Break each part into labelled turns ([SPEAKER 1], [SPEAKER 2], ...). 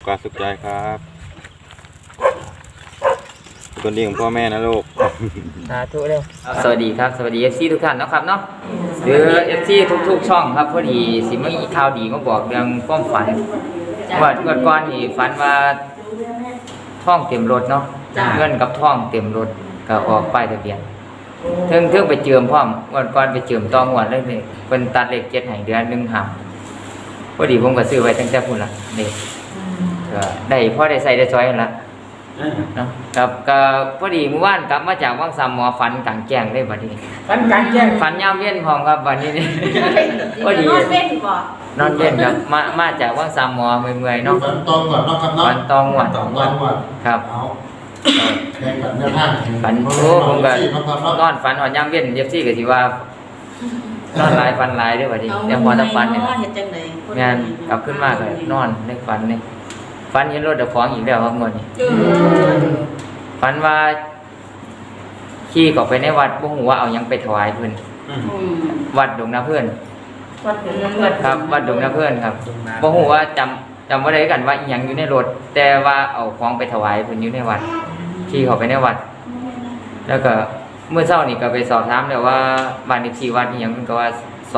[SPEAKER 1] กาสสุขใจครับคนดีของพ่อแม่นะลูก
[SPEAKER 2] สาธุเลยสวัสดีครับสวัสดี FC ทุกท่านนะครับเนาะหรือ FC ทุกๆช่องครับพอดีสิมีข่าวดีมาบอกเรื่องความฝันว่าเมื่อก่อนนี่ฝันว่าท่องเต็มรถเนาะเงินกับท่องเต็มรถก็ออกป้ายทะเบียนเทิงไปเจิมพร้อมวันก่อนไปเจิมตองวดเลยนี่เพิ่นตัดเลข7ให้เดือน1หักพอดีผมก็ซื้อไว้ตั้งแต่พุ่นล่ะนี่ก็ได้พอได้ใส่ได้ซอยนั่นล่ะเนาะกับก็พอดีเมื่อวานกลับมาจากวังสามหมอฝันกลางแจ้งได้บัดนี้
[SPEAKER 3] ฝันกลางแจ้ง
[SPEAKER 2] ฝันยามเย็นพร้อมครับบัดนี้นี่พอดี
[SPEAKER 4] นอนเว้นบ่
[SPEAKER 2] นอนเย็นครับมาจากวังสามหมอเมื่อยๆเนาะ
[SPEAKER 5] ฝันตองก่อนเนาะครับเนาะ
[SPEAKER 2] ฝันตองวดครับฝันโอ้ผมก็นอนฝันหอนยามเย็นเย็บซี่ก็สิว่านอนหลายฝันหลายเด้อบัดนี้แต่พอถ้าฝันเนี่ย
[SPEAKER 4] เฮ็ดจังได๋
[SPEAKER 2] งานกลับขึ้นมาก็นอนในฝันนี่ฝันเห็นรถเจ้าของอีกแล้วครับมื้อนี้ฝันว่าขี่เข้าไปในวัดบ่ฮู้ว่าเอาหยังไปถวายเพิ่นวัดดงนาเพิ่นครับวัดดงนาเพิ่นครับบ่ฮู้ว่าจำบ่ได้กันว่าอีหยังอยู่ในรถแต่ว่าเอาของไปถวายเพิ่นอยู่ในวัดขี่เข้าไปในวัดแล้วก็เมื่อเช้านี่ก็ไปสอบถามแล้วว่าบ้านเลขที่วัดอีหยังเพิ่นก็ว่า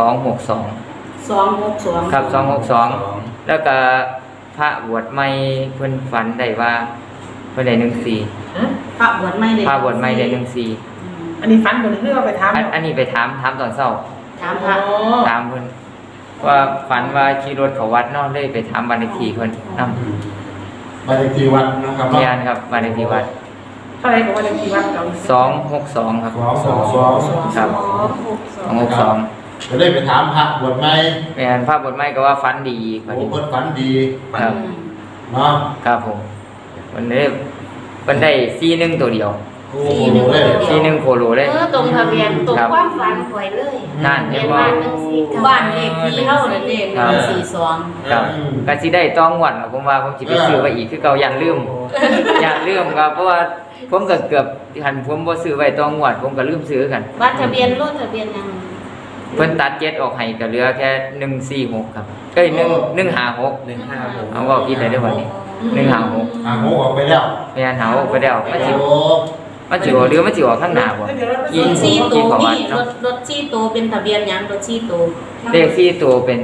[SPEAKER 2] 262ครับ262แล้วก็พระบวชใหม่เพิ่นฝันได้ว่าเพิ่นได้14
[SPEAKER 4] พระบวชใหม่
[SPEAKER 2] ได้
[SPEAKER 3] อันนี้ฝันบ่ได้คือเอาไปถาม
[SPEAKER 2] อันนี้ไปถามตอนเช้า
[SPEAKER 4] ถามพระ
[SPEAKER 2] ถามเพิ่นว่าฝันว่าขี่รถเข้าวัดเนาะเลยไปถามบ้านเลขที่เพิ่นนำ
[SPEAKER 5] บ้านเลขที่วัดนะครับ
[SPEAKER 2] เรียนครับบ้านเลขที่วัด
[SPEAKER 3] เท่าไหร่ก็บ้านเลขที่วัดเก่า
[SPEAKER 2] 262ครับ
[SPEAKER 5] 262
[SPEAKER 2] ครับ262
[SPEAKER 5] จะได้ไปถามพระบวชใหม่
[SPEAKER 2] แม่นพระบวชใหม่ก็ว่าฝันดีบัดนี้
[SPEAKER 5] เพิ่นฝันดี
[SPEAKER 2] ครับ
[SPEAKER 5] เนาะ
[SPEAKER 2] ครับผมเพิ่นได้41ตัวเดียว41โคโลเลย
[SPEAKER 4] ตรงทะเบียนตรงความฝันข่อยเลย
[SPEAKER 2] นั่นเห็นบ่
[SPEAKER 4] บ้านเลขที่เฮานั่นเด้142
[SPEAKER 2] ครับก็สิได้ต้องงวดผมว่าผมสิไปซื้อไว้อีกคือเก่ายันลืมครับเพราะว่าผมก็เกือบหันผมบ่ซื้อไว้ต้องงวดผมก็ลืมซื้อกัน
[SPEAKER 4] บัตรทะเบียนรถทะเบียนยัง
[SPEAKER 2] เพิ่นตัด7ออกให้ก็เหลือแค่146ครับเอ้ย156เอาว่าผิดได้เด้อบัดนี้156
[SPEAKER 5] โง่ออกไปแล้ว
[SPEAKER 2] แม่นหาออกไปแล้วมันสิหรือมันสิออกข้างหน้าบ่
[SPEAKER 4] ยิง4ตัวนี่รถ4ตัวเป็นทะเบียนหยังรถ4ตัว
[SPEAKER 2] เลข4ตัวเป็น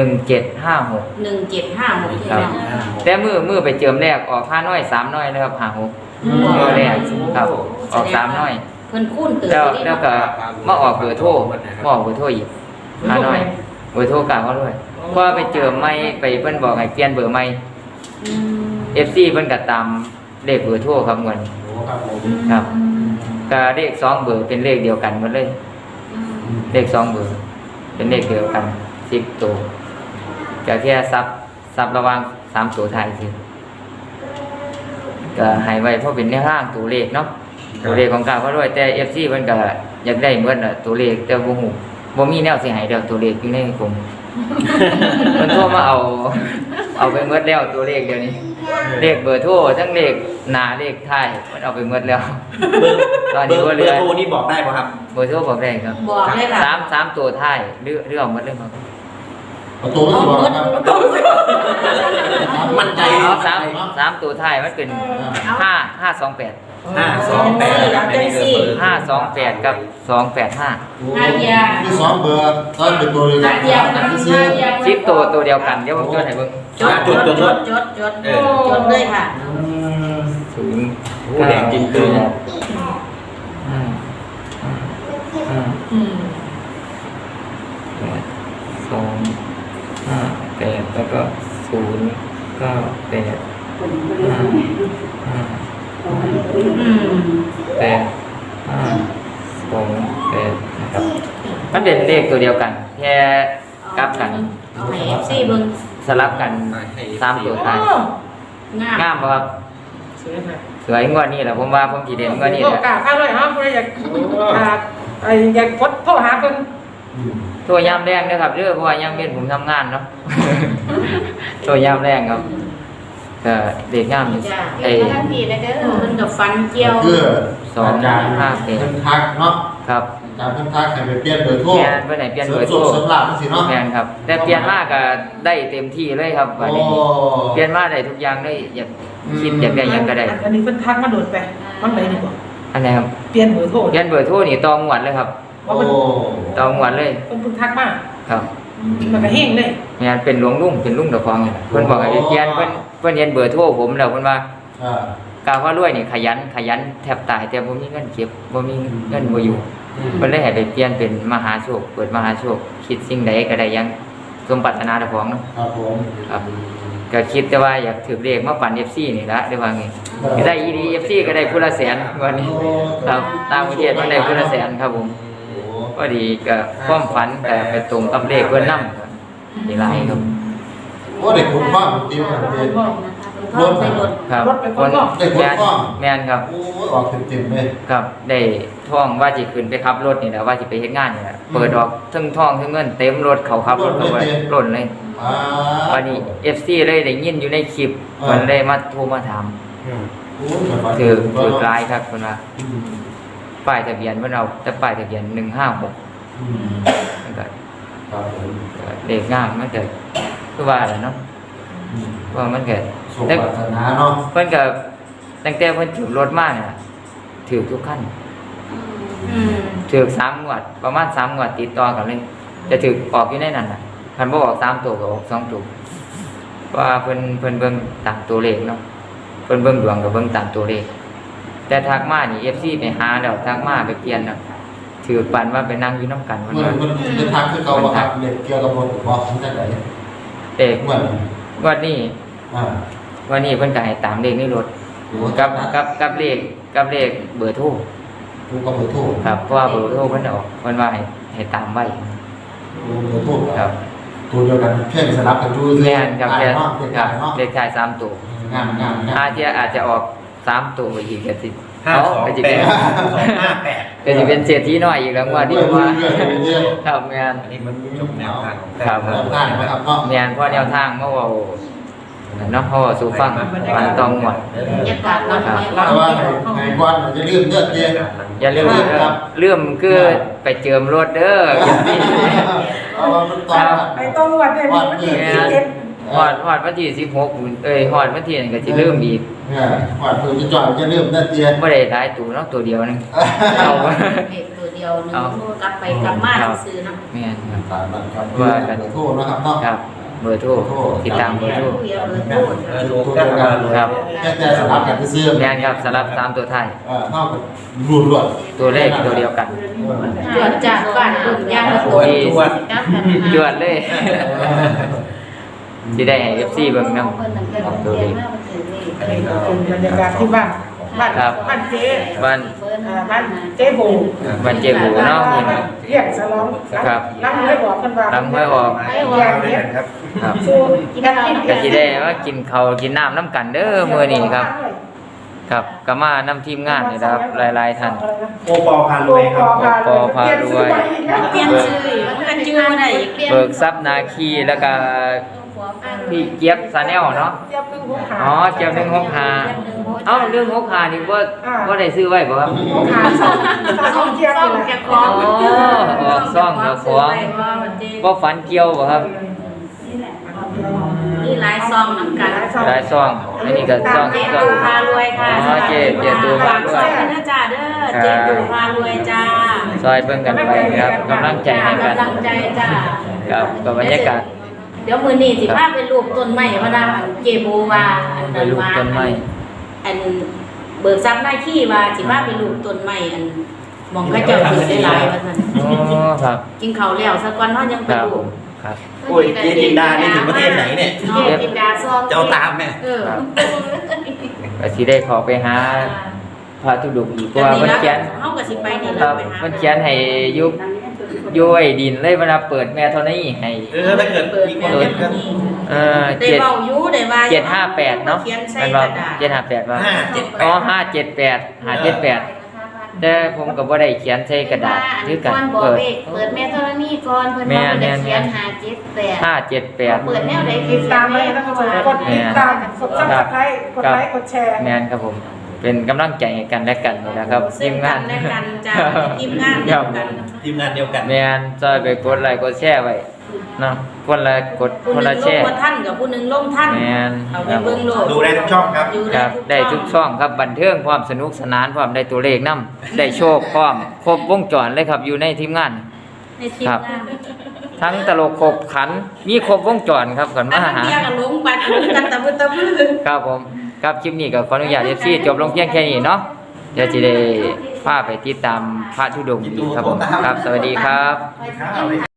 [SPEAKER 2] 1756
[SPEAKER 4] ครับ
[SPEAKER 2] แต่มือไปเจิมแรกออก5น้อย3น้อยนะครับ56มื้อแรกครับออก3น้อย
[SPEAKER 4] เพิ่นคูณเติ
[SPEAKER 2] บแล้วก็มาออกเบอร์โทรอีก5น้อยเบอร์โทรกลางเขาด้วยเพราะไปเจิมใหม่ไปเพิ่นบอกให้เปลี่ยนเบอร์ใหม่FC เพิ่นก็ตามเลขเบอร์โทรครับเงินครับก็เลข2เบอร์เป็นเลขเดียวกันหมดเลยเลข2เบอร์เป็นเลขเดียวกัน10ตัวก็แค่ซับระหว่าง3ตัวท้ายซื่อก็ให้ไว้เพราะเป็นแนวทางตัวเลขเนาะตัวเลขของกลางเขาด้วยแต่ FC เพิ่นก็อยากได้เหมือนตัวเลขแต่บ่ฮู้บ่มีแนวสิให้แล้วตัวเลขอยู่ในผมเพิ่นโทรมาเอาไปหมดแล้วตัวเลขเดี๋ยวนี้เลขเบอร์โทรทั้งเลขหน้าเลขท้ายมันเอาไปหมดแล้วตอนนี้ว่าเหลือ
[SPEAKER 6] เบอร์โทรนี่บอกได้ป่ะครับ
[SPEAKER 2] เบอร์โทรบอกได้ครับ
[SPEAKER 4] บอกได้ล่ะ
[SPEAKER 2] 3ตัวท้ายเรื่องหมดเลยครับ
[SPEAKER 5] ประตูไม่บอกครับ
[SPEAKER 6] มั่นใจ
[SPEAKER 2] เอา3ตัวท้ายมันเป็น528 528กับ285
[SPEAKER 5] มี2เบอร์ตอนเป็นตัวเดียวกันซื้อ
[SPEAKER 2] 10ตัวเดียวกันเดี๋ยวผมจดให้เบิ่ง
[SPEAKER 4] จดเลยค่ะ
[SPEAKER 6] ผู้แดงจริงคือ
[SPEAKER 2] 258แล้วก็098 นะครับมันเป็นเลขตัวเดียวกันแค่กลับกัน
[SPEAKER 4] ให้ FC เบิ่ง
[SPEAKER 2] สลับกัน3ตัวท้ายงามบ่ครับสวยงวดนี้แหละผมว่าผมสิเด่นงวดนี้แหละ
[SPEAKER 3] กล้าข้าวเลยฮะผู้ใดอยากกดโทรหาเพิ่น
[SPEAKER 2] โทรยามแรงนะครับเด้อเพราะว่ายามเย็นผมทำงานเนาะโทรยามแรงครับก็เด็กงามอยู่
[SPEAKER 4] ไอ้ท่านพี่นะเด้อเพิ่นก็ฟันเกี่ยว
[SPEAKER 5] 2 5 8ทักเนาะ
[SPEAKER 2] ครับ
[SPEAKER 5] การเพิ่นทักให้ไปเปลี่ยนเบอร์โทร
[SPEAKER 2] แม่นเพิ่นให้เปลี่ยนเบอร์โทร
[SPEAKER 5] เสริมลาบจังซี่เนาะ
[SPEAKER 2] แม่นครับ แต่เปลี่ยนมาก็ได้เต็มที่เลยครับบัดนี้
[SPEAKER 5] โอ้
[SPEAKER 2] เปลี่ยนมาได้ทุกอย่างเลยอยากคิดอยากได้หยังก็ได้
[SPEAKER 3] อันนี้เพิ่นทักมาโดดไปมันไหนดีกว่า
[SPEAKER 2] อันไหนครับ
[SPEAKER 3] เปลี่ยนเบอร์โทร
[SPEAKER 2] เปลี่ยนเบอร์โทรนี่ตองหวดเลยครับ
[SPEAKER 3] ว่า
[SPEAKER 5] โอ้
[SPEAKER 3] มัน
[SPEAKER 2] ตองหวดเลย
[SPEAKER 3] เพิ่นทักมา
[SPEAKER 2] ครับ
[SPEAKER 3] มันก็แห้งเลย
[SPEAKER 2] แม่นเป็นหลวงลุงเป็นลุงเจ้าของนี่แหละเพิ่นบอกให้ไปเปลี่ยนเพิ่นเห็นเบอร์โทรผมแล้วเพิ่นว่า
[SPEAKER 5] อ่า
[SPEAKER 2] กาวว่ารวยนี่ขยันแทบตายแต่บ่มีเงินเก็บบ่มีเงินบ่อยู่เพิ่นเลยให้ไปเปลี่ยนเป็นมหาโชคเปิดมหาโชคคิดสิ่งใดก็ได้อยังสมปรารถนาเจ้าของเนาะ
[SPEAKER 5] ครับผม
[SPEAKER 2] ครับก็คิดแต่ว่าอยากถือเลขมาปั่น FC นี่ละได้ว่าไงก็ได้อีดี FC ก็ได้ผู้ละแสนวันนี้ครับต่างประเทศมันได้ผู้ละแสนครับผม
[SPEAKER 5] โอ้
[SPEAKER 2] พอดีก็ความฝันก็ไปตรงกับเลขเพิ่นนำนี่หลายครับ
[SPEAKER 5] โอ้เด็กคุณพ่อติวกันเอง
[SPEAKER 4] รถไปรถ
[SPEAKER 2] ครับ
[SPEAKER 3] รถไปคนก็
[SPEAKER 5] ได้คนพ่อ
[SPEAKER 2] แม่นครับ
[SPEAKER 5] โอ้ออกเต็มๆเลย
[SPEAKER 2] ครับได้ท่องว่าสิขึ้นไปขับรถนี่แหละว่าสิไปเฮ็ดงานนี่แหละเปิดออกทั้งท่องทั้งเงินเต็มรถเขาขับรถเข้าไปล้นเลย
[SPEAKER 5] อ่า
[SPEAKER 2] วันนี้ FC เลยได้ยินอยู่ในคลิป
[SPEAKER 5] อ่า
[SPEAKER 2] เพิ่นเลยมาโทรมาถาม
[SPEAKER 5] โอ้สบาย
[SPEAKER 2] ถือกลายครับเพิ่นว่า
[SPEAKER 5] อืม
[SPEAKER 2] ป้ายทะเบียนเพิ่นเอาแต่ป้ายทะเบียน156
[SPEAKER 5] อืม
[SPEAKER 2] มันก็
[SPEAKER 5] ครับผม
[SPEAKER 2] เลขงามมันก็คือว่าแหละเนาะ
[SPEAKER 5] อืม
[SPEAKER 2] ว่ามันก็
[SPEAKER 5] สมปรารถนาเนาะ
[SPEAKER 2] เพิ่นก็ตั้งแต่เพิ่นถือรถมาเนี่ยถือทุกคัน ถือ3งวดประมาณ3งวดติดต่อกันเลยจะถือออกอยู่ในนั้นน่ะคันบ่ออก3ตัวก็ออก2ตัวว่าเพิ่นเบิ่งตามตัวเลขเนาะเพิ่นเบิ่งดวงก็เบิ่งตามตัวเลขแต่ทักมานี่ FC ไปหาแล้วทักมาไปเปลี่ยนน่ะถือปันว่าไปนั่งอยู่นำกันวัน
[SPEAKER 5] เมื่อ
[SPEAKER 2] นั้น
[SPEAKER 5] มันเป็นทางคือเก่าบ่ครับเด็กเกี่ยวกับรถบอกทั้งแต่ไหน
[SPEAKER 2] เด็ก
[SPEAKER 5] เมื่อ
[SPEAKER 2] วันนี้
[SPEAKER 5] อ่า
[SPEAKER 2] วันนี้เพิ่นก็ให้ตามเลขในรถ
[SPEAKER 5] โอ้
[SPEAKER 2] กับเลขเบอร์โทร
[SPEAKER 5] กูก็เบอร์โทร
[SPEAKER 2] ครับเพราะว่าเบอร์โทรเพิ่นออกเพิ่นว่าให้ตามไว้
[SPEAKER 5] กูเบอร์โทร
[SPEAKER 2] ครับ
[SPEAKER 5] ตัวเดียวกันเพียงสลับกันอยู่
[SPEAKER 2] แม่นครับ
[SPEAKER 5] แค่
[SPEAKER 2] แค่
[SPEAKER 5] เนาะเป็น
[SPEAKER 2] ครั
[SPEAKER 5] กา
[SPEAKER 2] บ
[SPEAKER 5] รเนาะ
[SPEAKER 2] เลขท้าย3ตัว
[SPEAKER 5] งามงามงาม
[SPEAKER 2] อาจจะออก3ตัวอีกก็สิ
[SPEAKER 6] 528
[SPEAKER 2] ก็สิเป็น
[SPEAKER 6] 258
[SPEAKER 2] ก็สิเป็นเศรษฐีน้อยอีกแล้วว่านี่ว่าครับแม่น
[SPEAKER 6] อันนี้มันจบแนวทางของ
[SPEAKER 2] ครับ
[SPEAKER 5] แนวทางนะครับเนาะ
[SPEAKER 2] แม่นเพราะแนวทางเฮาเว้าเนาะเฮาเว้าสู่ฟังมันต้องหมด
[SPEAKER 4] บรรยากาศรถไป
[SPEAKER 5] แต่ว่าไอ้ก้อนมันจะลืมเลือดเย็น
[SPEAKER 2] อย่าลืมเรื่องคือไปเจิมรถเด้ออย่าสิ
[SPEAKER 5] เอาว่ามันตอนนั้น
[SPEAKER 3] ไอ้ต้องวัดเนี่ยมันที่เจ็ด
[SPEAKER 2] ฮอดวันที่16ฮอดวันที่นั้นก็สิลืมอีก
[SPEAKER 5] เนี่ยก่อนเพิ่นจะจอดจะลืมเลือดเย็น
[SPEAKER 2] บ่ได้หลายตัวเนาะตัวเดียวนึงเอา
[SPEAKER 4] เด็กตัวเดียวหนึงกลับไปกลับมาซื้อเนาะ
[SPEAKER 2] แม่นครับ
[SPEAKER 5] ตามนั้นครับว่ากันโทษนะครับเนาะ
[SPEAKER 2] ครับเบอร์โทรติดตามเบอร์โทร
[SPEAKER 4] เดียวเลยพูด
[SPEAKER 5] ทุกตัวกัน
[SPEAKER 2] ครับ
[SPEAKER 5] แค่สลับกันซื้อ
[SPEAKER 2] แม่นครับสำหรับ3ตัวท้าย
[SPEAKER 5] เท่ากับรูดรวด
[SPEAKER 2] ตัวเลขตัวเดียวกัน
[SPEAKER 4] ตรวจจากบ้านลุ่มย่างละตัวกลับกัน
[SPEAKER 2] จวดเลยสิได้ให้ FC เบิ่งนำตัวเลข
[SPEAKER 3] เป็นบรรยากาศที่บ้านบ้านเจ๊
[SPEAKER 2] บ้าน
[SPEAKER 3] บ้านเจ๊โบ
[SPEAKER 2] บ้านเจ๊บูเนาะนี่ครับ
[SPEAKER 3] เรียกสลองล้างไม่บอกกันว่า
[SPEAKER 2] หลังห้วยออก
[SPEAKER 3] อย่างเนี้ย
[SPEAKER 2] ครับ
[SPEAKER 3] สู้กินกิน
[SPEAKER 2] ก็สิได้ว่ากินข้าวกินน้ำน้ำกันเด้อมื้อนี้ครับ ครับก็มานำทีมงานนี่นะครับหลายๆท่าน
[SPEAKER 6] โอปอพารวยครับ
[SPEAKER 2] ปอพารวย
[SPEAKER 4] เปลี่ยนชื่อมันจื้อได้อีกเปลี่ยน
[SPEAKER 2] เบิกทรัพย์นาคีแล้วก็พี่เจี๊ยบซาแนลเนาะ
[SPEAKER 3] เจี๊ยบพึ่งหัวขา
[SPEAKER 2] อ๋อเจี๊ยบ165เอ้าเรื่อง65นี่บ่ได้ซื้อไว้บ่ครับ
[SPEAKER 3] หัวขาสองเจี๊ยบ
[SPEAKER 4] ซ่อม
[SPEAKER 3] เลย
[SPEAKER 4] แกะของ
[SPEAKER 2] ออกซ่องกับของบ่ฝันเกี่ยวบ่ครับ
[SPEAKER 4] นี่หลายซองน้ำกัน
[SPEAKER 2] หลายซ่องอันนี้ก็ซ่อง
[SPEAKER 4] เจ
[SPEAKER 2] ซ่อ
[SPEAKER 4] ตู
[SPEAKER 2] ง
[SPEAKER 4] พารวยค่ะ
[SPEAKER 2] อ๋อเจตูพารวย
[SPEAKER 4] ฝากนะจ้าเด้อเจตูพารวยจ้า
[SPEAKER 2] ซอยเบิ่งกันไปครับกำลังใจให้กัน
[SPEAKER 4] กำลังใจจ้า
[SPEAKER 2] ครับกับบรรยากาศ
[SPEAKER 4] เดี๋ยวมือนี้สิพาไปรูปต้นไม้พระดาอันเจโบว่าอัน
[SPEAKER 2] ไป
[SPEAKER 4] นั้น
[SPEAKER 2] ลูก
[SPEAKER 4] ว่า
[SPEAKER 2] ต้นไม้
[SPEAKER 4] อันเบิกทรัพย์หน้าที่ว่าสิพาไปรูปต้นไม้อันมองกระเจ้าถือได้หลายว่าซั่น
[SPEAKER 2] อ๋อครับ
[SPEAKER 4] กินข้าวแล้วสักวันเฮายัง
[SPEAKER 2] ค
[SPEAKER 4] ไป
[SPEAKER 2] รับ
[SPEAKER 4] รูป
[SPEAKER 2] ครับ
[SPEAKER 6] โอ้ยเจจินดานี่ถึงประเทศไหนเนี่ย
[SPEAKER 4] เจจินดาซอง
[SPEAKER 6] เจ้าตามแม่
[SPEAKER 4] เออ
[SPEAKER 2] ก็สิได้ขอไปหาพระธุดงค์อีกเพราะว่าเพิ่นเขียน
[SPEAKER 4] เฮาก็สิไปนี่
[SPEAKER 2] ครับ
[SPEAKER 4] ไปหา
[SPEAKER 2] เพิ่นเขียนให้ยุ้ยดินเลยเวลาเปิดแม่เท่านี้ให้
[SPEAKER 6] ถ้าเกิดมีคนเห็นก็
[SPEAKER 4] ได้เว้าอยู่ได้ว่า
[SPEAKER 2] 758เนาะ
[SPEAKER 4] เขียนใส่
[SPEAKER 2] มัน
[SPEAKER 4] ก
[SPEAKER 2] ว่า
[SPEAKER 4] ระดาษ
[SPEAKER 2] 758ว่า
[SPEAKER 6] 578
[SPEAKER 2] อ๋อ578แต่ผมก็บ่ได้เขียนใส่กระดาษคือกัน
[SPEAKER 7] เปิ
[SPEAKER 2] เปิ
[SPEAKER 7] ด
[SPEAKER 2] ด
[SPEAKER 7] เปิดแม่ธรณีก่อนเพิ่น
[SPEAKER 2] แม่
[SPEAKER 7] มา
[SPEAKER 2] แม่
[SPEAKER 7] เขียน578เปิด
[SPEAKER 2] 578
[SPEAKER 7] แนวใด
[SPEAKER 3] ติดตามเลยนะครับกดติดตามกดซับสไครต์กดไลค์กดแชร์
[SPEAKER 2] แม่นครับผมเป็นกำลังใจให้กันและกันนี่นะครับ
[SPEAKER 4] ซึ่
[SPEAKER 2] ที
[SPEAKER 4] ง
[SPEAKER 2] ม
[SPEAKER 4] กั
[SPEAKER 2] งาน
[SPEAKER 4] นและกันจ้าทีมงานเดียวกัน
[SPEAKER 6] ทีมงานเดียวกัน
[SPEAKER 2] แม่นซอยไปกดไลค์กดแชร์ไว้เนาะคนละกด
[SPEAKER 4] ผู้
[SPEAKER 2] คน
[SPEAKER 4] หนึ
[SPEAKER 2] ละ
[SPEAKER 4] ง
[SPEAKER 2] แช
[SPEAKER 4] ลง
[SPEAKER 2] ร์
[SPEAKER 4] ว่าท่านกับผู้หนึงลงท่าน
[SPEAKER 2] แม่น
[SPEAKER 4] เอาไปเบิ่งโลด
[SPEAKER 6] ดูได้ทุกช่องครับ
[SPEAKER 4] อยู่
[SPEAKER 2] ครับได้ทุกช่องครับบันเทิงพร้อมสนุกสนานพร้อมได้ตัวเลขนํได้โชคพร้อมครบวงจรเลยครับอยู่ในทีมงาน
[SPEAKER 4] ในทีม
[SPEAKER 2] ครับ
[SPEAKER 4] งาน
[SPEAKER 2] ทั้งตลกขบขันมีครบวงจรครับก่อน
[SPEAKER 4] อั
[SPEAKER 2] มาน
[SPEAKER 4] นั้น
[SPEAKER 2] หา
[SPEAKER 4] เดียวกับลงบัตรลงกันตะมือตะมือ
[SPEAKER 2] ครับผมครับคลิปนี้ก็ขออนุญาต FC จบลงเพียงแค่นี้เนาะเดี๋ยวสิได้พาไปติดตามพระธุดงค์อีกครับผมครับสวัสดีครับ
[SPEAKER 6] ครับ